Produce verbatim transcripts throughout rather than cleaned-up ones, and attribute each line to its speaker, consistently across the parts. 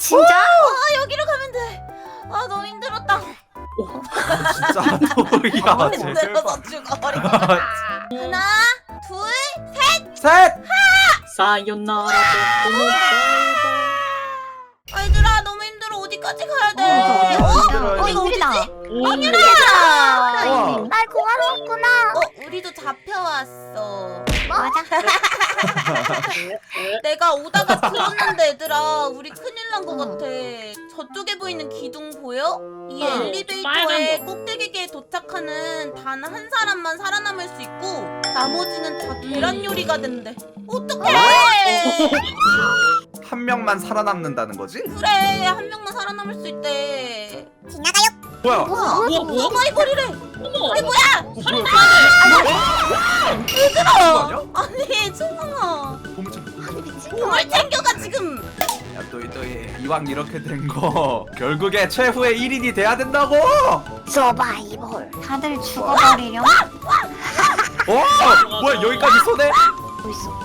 Speaker 1: 진짜?
Speaker 2: 아 여기로 가면 돼. 아 너무 힘들었다.
Speaker 3: 아, 진짜 도희야
Speaker 2: 힘들어서 죽어버린 것 같아. 하나, 둘,
Speaker 3: 셋!
Speaker 4: 사요나라
Speaker 2: 얘들아 너무 힘들어. 어디까지 가야 돼?
Speaker 3: 아,
Speaker 2: 어?
Speaker 3: 힘들어요.
Speaker 2: 어 이거
Speaker 1: 힘들다.
Speaker 2: 어디지?
Speaker 1: 아,
Speaker 3: 우와.
Speaker 1: 날 공항 왔구나.
Speaker 2: 어 우리도 잡혀왔어.
Speaker 1: 맞아.
Speaker 2: 내가 오다가 들었는데 얘들아 우리 큰일 난 것
Speaker 1: 응.
Speaker 2: 같아. 저쪽에 보이는 기둥 보여? 이
Speaker 4: 어,
Speaker 2: 엘리베이터의
Speaker 4: 빨간 거.
Speaker 2: 꼭대기에 도착하는 단 한 사람만 살아남을 수 있고 나머지는 다 계란 요리가 된대. 어떡해!
Speaker 3: 한 명만 살아남는다는 거지?
Speaker 2: 그래 한 명만 살아남을 수 있대.
Speaker 3: 뭐야?
Speaker 1: 뭐야?
Speaker 4: 뭐야 뭐야?
Speaker 2: 서바이벌이래.
Speaker 4: 어머
Speaker 2: 아니 뭐야?
Speaker 3: 어,
Speaker 4: 살인
Speaker 3: 뭐야?
Speaker 2: 얘들아!
Speaker 3: 아니야?
Speaker 2: 아니 충성아
Speaker 3: 보물찾
Speaker 1: 아니 미친.
Speaker 2: 몸을 챙겨가 지금.
Speaker 3: 야 또이 또이 이왕 이렇게 된 거 결국에 최후의 일 인이 돼야 된다고!
Speaker 1: 서바이벌. 다들 죽어버리렴.
Speaker 3: 어? 뭐야 여기까지 쏘네?
Speaker 1: 뭐 있어?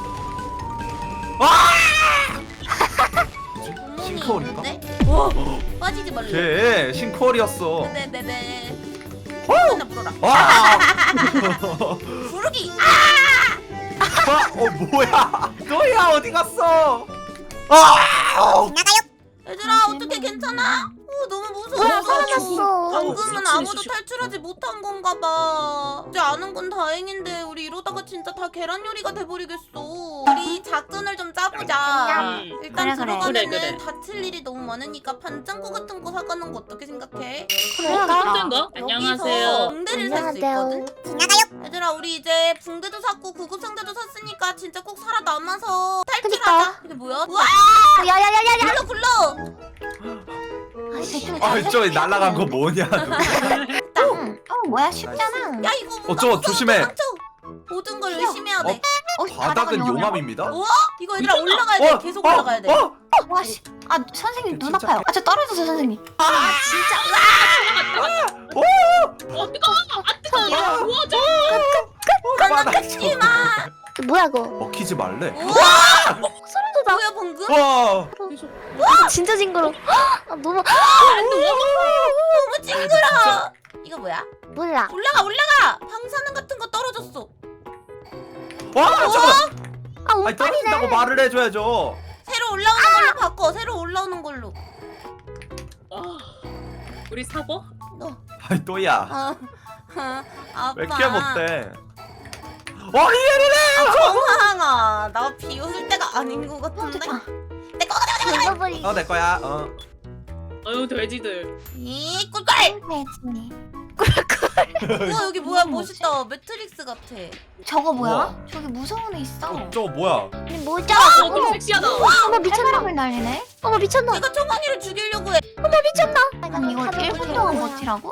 Speaker 2: 구멍이
Speaker 3: 싱크홀인가?
Speaker 2: 있는데? 와 빠지지 말래.
Speaker 3: 걔 싱크홀이었어.
Speaker 2: 네네네.
Speaker 3: 어?
Speaker 2: 나 불어라.
Speaker 3: 와!
Speaker 2: 부르기.
Speaker 3: 아, 어 뭐야? 너야 어디 갔어? 아!
Speaker 2: 얘들아 어떻게 괜찮아? 어, 너무 무서워.
Speaker 1: 왜 살아났어?
Speaker 2: 방금은
Speaker 4: 미친,
Speaker 2: 아무도
Speaker 4: 미친.
Speaker 2: 탈출하지 못한 건가 봐. 이제 아는 건 다행인데 우리 이러다가 진짜 다 계란 요리가 돼버리겠어. 우리 작전을 좀 짜보자.
Speaker 4: 음.
Speaker 2: 일단
Speaker 1: 그래, 그래.
Speaker 2: 들어가면은
Speaker 4: 그래, 그래.
Speaker 2: 다칠 일이 너무 많으니까 반창고 같은 거 사가는 거 어떻게 생각해?
Speaker 4: 깜짝인가? 안녕하세요.
Speaker 2: 여기서 붕대를 살 수
Speaker 1: 안녕하세요.
Speaker 2: 있거든? 얘들아 우리 이제 붕대도 샀고 구급상자도 샀으니까 진짜 꼭 살아남아서 탈출하자.
Speaker 1: 그니까.
Speaker 2: 이게 뭐야? 우와!
Speaker 1: 야야야야야.
Speaker 2: 불러 불러!
Speaker 3: 아, 저 날아간 거 뭐냐? 누구?
Speaker 1: 응. 어 뭐야 쉽잖아.
Speaker 2: 야 이거
Speaker 3: 어, 저거 조심해.
Speaker 2: 상처. 모든 걸 의심해야 돼.
Speaker 1: 어,
Speaker 3: 바닥은 용암입니다.
Speaker 2: 우와! 이거 얘들아 올라가야 돼.
Speaker 3: 어,
Speaker 2: 계속
Speaker 3: 어,
Speaker 2: 올라가야 돼.
Speaker 3: 어?
Speaker 1: 와 씨. 아 선생님 눈
Speaker 3: 진짜.
Speaker 1: 아파요. 아 저 떨어져서 선생님.
Speaker 2: 아 진짜.
Speaker 3: 오!
Speaker 4: 어 뜨거워 아 뜨거워 도와줘.
Speaker 2: 난 뺏지 마.
Speaker 1: 뭐야 그거?
Speaker 3: 먹히지 말래.
Speaker 2: 우와!
Speaker 1: 소리도 나.
Speaker 2: 뭐야 방금?
Speaker 3: 와!
Speaker 1: 진짜 징그러. 아 너무
Speaker 2: 너무 징그러. 이거 뭐야?
Speaker 1: 몰라.
Speaker 2: 올라가 올라가. 방사능 같은 거 떨어졌어.
Speaker 3: 와! 잠깐.
Speaker 1: 아
Speaker 3: 아니 떨어진다고
Speaker 1: 운빨이네.
Speaker 3: 말을 해줘야죠.
Speaker 2: 새로 올라오는 걸로 바꿔. 새로 올라오는 걸로.
Speaker 4: 아, 우리 사고?
Speaker 2: 너.
Speaker 3: 아이 또야.
Speaker 2: 아, 아, 아빠.
Speaker 3: 왜 이렇게 못돼? 와 이해를
Speaker 2: 아, 정황아. 나 비웃을 때가 아닌 것 같은데.
Speaker 1: 좋다.
Speaker 2: 내 거가 내가 내가.
Speaker 1: 죽어버리.
Speaker 3: 해. 어내 거야. 어.
Speaker 4: 아유 돼지들.
Speaker 2: 이 꿀꿀.
Speaker 1: 돼지.
Speaker 2: 우와 여기 뭐야 멋있다. 매트릭스 같아.
Speaker 1: 저거 뭐야?
Speaker 3: 우와.
Speaker 1: 저기 무서운 애 있어.
Speaker 3: 어, 저거 뭐야?
Speaker 1: 아니 뭐죠?
Speaker 4: 어 너무 섹시하다.
Speaker 1: 어머 미쳤나? 을 날리네. 어머 미쳤나?
Speaker 2: 내가 정황이를 죽이려고 해.
Speaker 1: 어머 미쳤나? 아니 이거 일 분 동안 버티라고?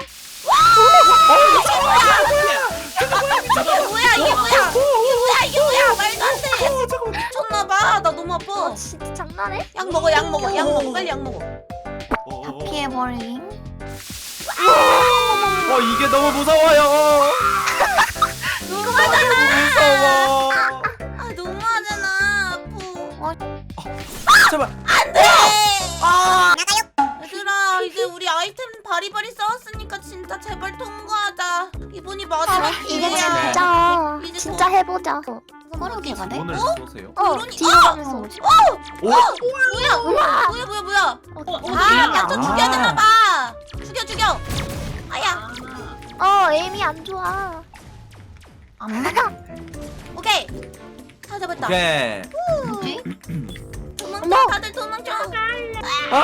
Speaker 2: 이게 뭐야 이게 뭐야 이게 뭐야 이게 뭐야 말도 안 돼.
Speaker 3: 어 잠깐만.
Speaker 2: 미쳤나봐. 나 너무 아파.
Speaker 1: 어 진짜 장난해?
Speaker 2: 약 먹어 약 먹어 약 먹어 빨리 약 먹어.
Speaker 3: 어, 어, 어.
Speaker 1: 피해버림.
Speaker 3: 어 이게 너무 무서워요. 무서워.
Speaker 2: 아 너무하잖아. 아프.
Speaker 3: 제발.
Speaker 2: 안돼.
Speaker 3: 아.
Speaker 2: 얘들아 이제 우리 아이템 바리바리 싸웠으니까 진짜 제발 통과하자. 이번이 마지막
Speaker 1: 이제
Speaker 2: 기회야.
Speaker 1: 진짜
Speaker 2: 이제
Speaker 1: 진짜
Speaker 2: 더-
Speaker 1: 해보자. 그러게 가네?
Speaker 3: 오늘 쏘세요.
Speaker 1: 어
Speaker 2: 그러니-
Speaker 1: 뒤로
Speaker 2: 어!
Speaker 1: 가면서 오지.
Speaker 3: 오.
Speaker 2: 뭐야
Speaker 1: 우와.
Speaker 2: 뭐야 뭐야 뭐야.
Speaker 4: 어
Speaker 2: 아
Speaker 4: 어디야?
Speaker 2: 약간
Speaker 3: 아.
Speaker 2: 죽여야 되나봐. 죽여 죽여. 아야.
Speaker 1: 어 에임이 안 좋아. 안 맞아.
Speaker 2: 오케이. 다 잡았다.
Speaker 3: 오케이.
Speaker 1: 뭐지?
Speaker 2: 도망쳐
Speaker 1: 어머.
Speaker 2: 다들 도망쳐.
Speaker 3: 아.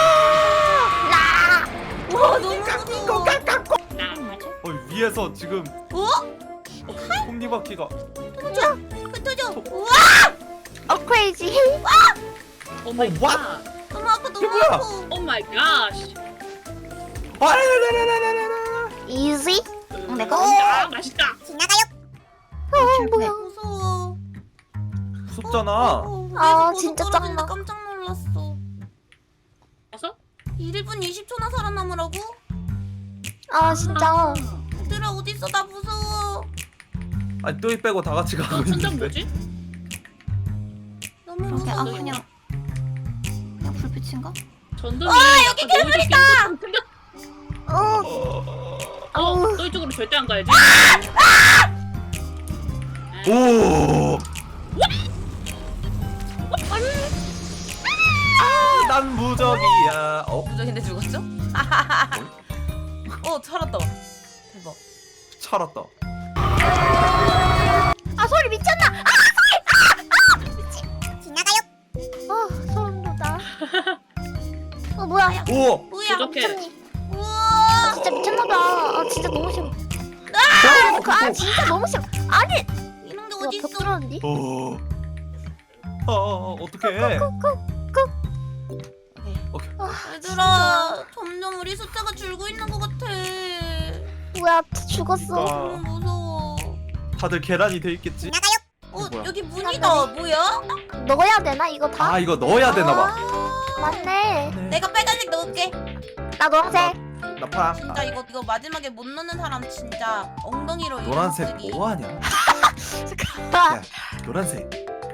Speaker 2: 와 너무 무서워.
Speaker 3: 어 위에서 지금
Speaker 2: 어?
Speaker 3: 톱니바퀴가.
Speaker 2: 흩어져 흩어져. 우와
Speaker 1: 어 크레이지.
Speaker 4: 오 마이
Speaker 3: 어,
Speaker 4: 갓.
Speaker 2: 너무 아파 너무
Speaker 3: 뭐야?
Speaker 2: 아파.
Speaker 4: 오 마이 갓.
Speaker 3: 아, 라라라라라라.
Speaker 1: 이지?
Speaker 4: 음,
Speaker 1: 내가
Speaker 4: 아 맛있다.
Speaker 1: 어 뭐야?
Speaker 2: 무서워.
Speaker 3: 무섭잖아.
Speaker 2: 어,
Speaker 1: 아,
Speaker 2: 위에서 보고
Speaker 1: 진짜
Speaker 2: 떨어지는데
Speaker 1: 짱나.
Speaker 2: 깜짝 놀랐어.
Speaker 4: 어서?
Speaker 2: 일 분 이십 초나 살아남으라고?
Speaker 1: 아 진짜.
Speaker 2: 얘들아 어딨어 나 무서워.
Speaker 3: 아니 또이 빼고 다 같이 가고
Speaker 4: 어 천장
Speaker 3: 있는데.
Speaker 4: 뭐지?
Speaker 2: 너무
Speaker 1: 그러게 아
Speaker 2: 무서워.
Speaker 1: 그냥 그냥 불빛인가?
Speaker 4: 전등이.
Speaker 2: 와, 여기 괴물이다!
Speaker 1: 어.
Speaker 4: 어, 너 이쪽으로 절대 안 가야지.
Speaker 3: 오. 아, 난 무적이야. 어?
Speaker 2: 무적인데 죽었죠? 어, 살았다. 대박.
Speaker 3: 살았다.
Speaker 1: 아 소리 미쳤나? 아 소리! 아! 아! 미친. 지나가요. 아 소름 돋아. 어 뭐야?
Speaker 3: 오.
Speaker 2: 뭐야?
Speaker 4: 부족해.
Speaker 1: 미쳤니?
Speaker 2: 우와!
Speaker 1: 진짜 미쳤나봐. 아 진짜 너무 싫어.
Speaker 3: 아!
Speaker 1: 그, 아 진짜 너무 싫어. 아니.
Speaker 2: 이런 게
Speaker 1: 뭐야,
Speaker 2: 어디
Speaker 1: 벽
Speaker 2: 있어?
Speaker 1: 뚫었는데?
Speaker 3: 오. 아, 어떡해.
Speaker 2: 얘들아, 점점 우리 숫자가 줄고 있는 것 같아.
Speaker 1: 뭐야 죽었어.
Speaker 3: 그러니까.
Speaker 2: 너무 무서워.
Speaker 3: 다들 계란이 돼 있겠지?
Speaker 2: 어,
Speaker 3: 뭐야?
Speaker 2: 여기 문이다. 뭐야?
Speaker 1: 넣어야 되나 이거 다?
Speaker 3: 아, 이거 넣어야 되나 봐.
Speaker 2: 아,
Speaker 1: 맞네.
Speaker 2: 내가 빨간색 넣을게.
Speaker 1: 나 노란색.
Speaker 3: 나 파랑.
Speaker 2: 진짜 이거 이거 마지막에 못 넣는 사람 진짜 엉덩이로 이름
Speaker 3: 노란색
Speaker 2: 쓰기.
Speaker 3: 뭐 하냐?
Speaker 1: 아,
Speaker 3: 야, 노란색.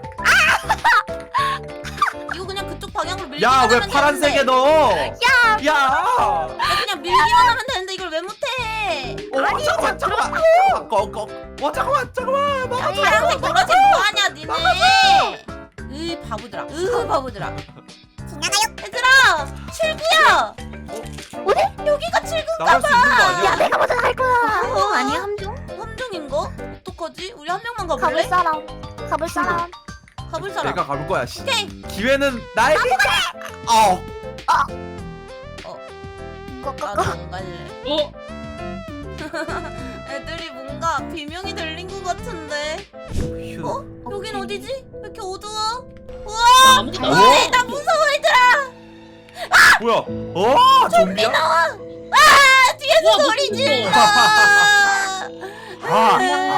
Speaker 2: 이거 그냥 그쪽 방향으로 밀기만
Speaker 3: 야, 왜
Speaker 2: 하면
Speaker 3: 파란색에
Speaker 2: 되는데.
Speaker 3: 넣어? 야! 야!
Speaker 2: 나 그냥 밀기만 하면 되는데 이걸 왜 못해?
Speaker 3: 어, 잠깐만, 잠깐만. 꺼, 꺼. 어, 잠깐만, 잠깐만. 막.
Speaker 1: 아니,
Speaker 2: 파란색
Speaker 1: 이거
Speaker 2: 노란색 뭐하냐 니네? 으 바보들아. 으 바보들아. 지나가요. 얘들아 칠구야.
Speaker 1: 어디?
Speaker 2: 여기가 칠구인가
Speaker 3: 나갈 수 있는 거
Speaker 1: 야
Speaker 3: 아니야?
Speaker 1: 내가 먼저 갈 거야.
Speaker 2: 어,
Speaker 1: 아니야 함정?
Speaker 2: 함정인가? 어떡하지? 우리 한 명만
Speaker 1: 가볼
Speaker 2: 가볼래?
Speaker 1: 사람. 가볼 사람.
Speaker 2: 가볼 사람.
Speaker 3: 내가 가볼 거야. 씨.
Speaker 2: 오케이.
Speaker 3: 기회는 나에게. 어.
Speaker 2: 나도
Speaker 1: 꺼꺼꺼.
Speaker 2: 안 갈래.
Speaker 4: 어?
Speaker 2: 애들이 뭔가 비명이 들린 것 같은데.
Speaker 3: 휴.
Speaker 2: 어? 여긴 어디지? 왜 이렇게 어두워?
Speaker 4: 나
Speaker 2: 우와!
Speaker 4: 아무것도
Speaker 3: 어?
Speaker 4: 안
Speaker 2: 어? 나 무서워 얘들아!
Speaker 3: 뭐야? 어? 좀비야?
Speaker 2: 나와! 아! 뒤에서
Speaker 4: 우와,
Speaker 2: 소리
Speaker 4: 무서워.
Speaker 2: 질러!
Speaker 3: 아,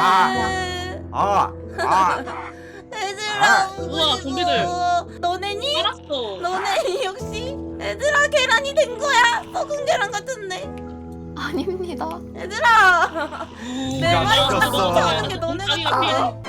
Speaker 3: 아, 아.
Speaker 2: 얘들아
Speaker 4: 우와, 좀비들.
Speaker 2: 무서워. 너네니?
Speaker 4: 알았어.
Speaker 2: 너네 역시? 얘들아 계란이 된 거야? 썩은 계란 같은데?
Speaker 1: 아닙니다.
Speaker 2: 얘들아 내
Speaker 3: 야,
Speaker 2: 말이
Speaker 3: 죽었어.
Speaker 2: 딱 쫓아오는 게 너네
Speaker 4: 자기가
Speaker 2: 같은데?
Speaker 4: 피해.